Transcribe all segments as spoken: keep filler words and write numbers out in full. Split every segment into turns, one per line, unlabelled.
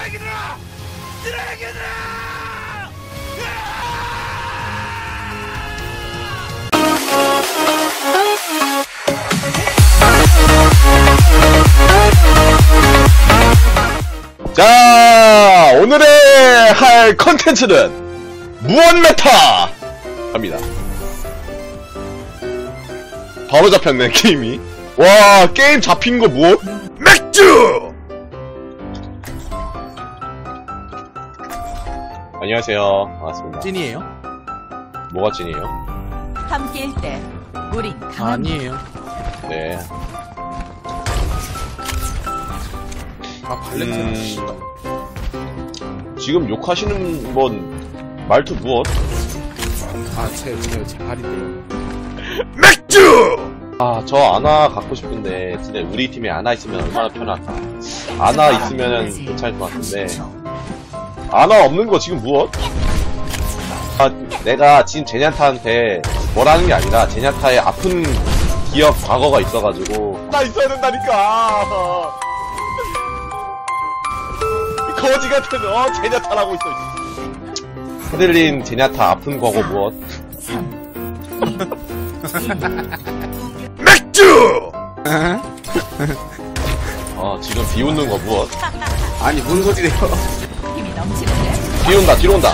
쓰레기들아! 쓰레기들아! 자, 오늘의 할 컨텐츠는 무언 메타! 갑니다. 바로 잡혔네, 게임이. 와, 게임 잡힌 거 무엇? 맥주! 안녕하세요. 반갑습니다.
찐이에요?
뭐가 찐이에요?
함께일 때 우린 강합니다.
아니에요.
네.
아, 발렌티나.
음... 지금 욕하시는 건 말투 무엇?
아, 제, 제, 제 발인데요.
맥주! 아, 저 아나 갖고 싶은데, 진짜 우리 팀에 아나 있으면 얼마나 편할까. 아나 있으면 괜찮을 것 같은데. 아나 없는 거 지금 무엇? 아, 내가 지금 제냐타한테 뭐라는 게 아니라, 제냐타의 아픈 기억 과거가 있어가지고. 나 있어야 된다니까! 거지 같은, 어, 제냐타라고 있어. 헤들린 제냐타 아픈 과거 무엇? 맥주! 어, 지금 비웃는 거 무엇?
아니, 뭔 소리래요?
힘이 넘치는데
뒤 온다, 뒤로 온다.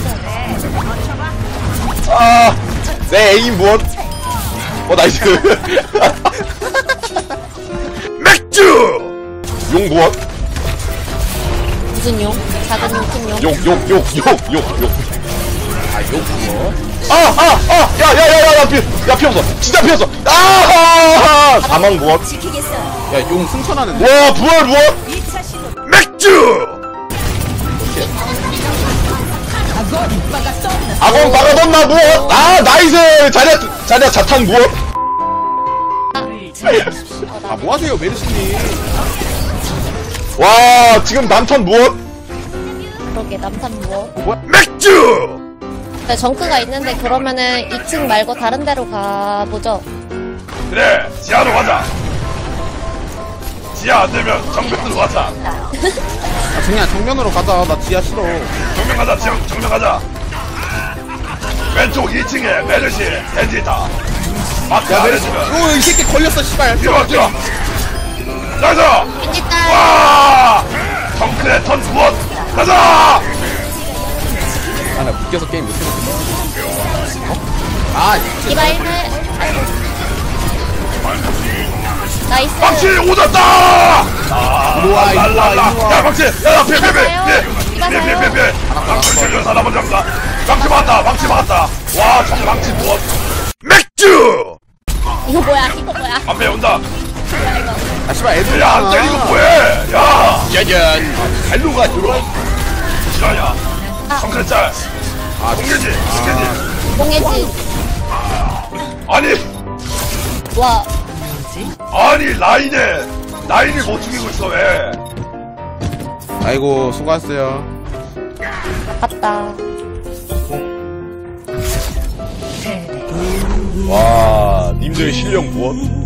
아, 내 에임 무엇? 어, 나이스. 맥주! 용 무엇?
무슨 용? 작은 용, 큰 용?
용, 용, 용, 용, 용, 용.
아, 욕 그거?
아, 아, 아! 야, 야, 야, 야, 야, 피, 야, 피었어. 진짜 피었어. 아! 사망 무엇?
지키겠어요.
야, 용 승천하는데?
와, 부활 무엇?
이 차 시도
맥주!
악어 이빠가 쏜다.
악원 박아뒀나 무엇? 아, 나이스! 자냐, 자냐, 자탄 무엇?
아, 뭐하세요, 메르시님?
와, 지금 남탄 무엇?
그러게, 남산 뭐?
맥주!
네, 정크가 있는데, 그러면은 이 층 말고 다른 데로 가보죠.
그래, 지하로 가자. 지하 안 되면 정면으로 가자.
아, 그냥 정면으로 가자. 나 지하 싫어.
정면 가자, 정, 정면 가자. 왼쪽 이 층에 메르시, 벤지타. 마크 안 해주면.
오, 이 새끼 걸렸어, 씨발.
뛰어, 뛰어. 가자!
일단,
와! 정크의 턴 무엇? 가자!
아, 나 묶여서 게임 못해먹겠어. 어? 아, 진짜.
이바 일 분. 나이스.
망치 오졌다! 아,
일로와, 일로와,
랄랄라.
일로와.
야, 망치! 야, 야, 피해, 피해,
가요.
피해!
이봐
피해, 피해, 피해,
가요.
피해! 망치 걸려 사람 먼저 합니다. 망치 맞았다, 망치 맞았다. 와, 정 망치 무엇? 맥주!
이거 뭐야, 이거 뭐야.
앞에 온다.
뭐야, 이거.
아, 씨발, 애들.
야, 안 때리고 뭐해! 야!
짜잔.
발로가 들어. 실화냐? 성크레 짤.
아,
공개지, 공개지.
뽕해지.
아니,
와,
아니, 라인에, 라인을 못 죽이고 있어, 왜?
아이고, 수고하셨어요.
아깝다.
와, 님들의 실력 무엇?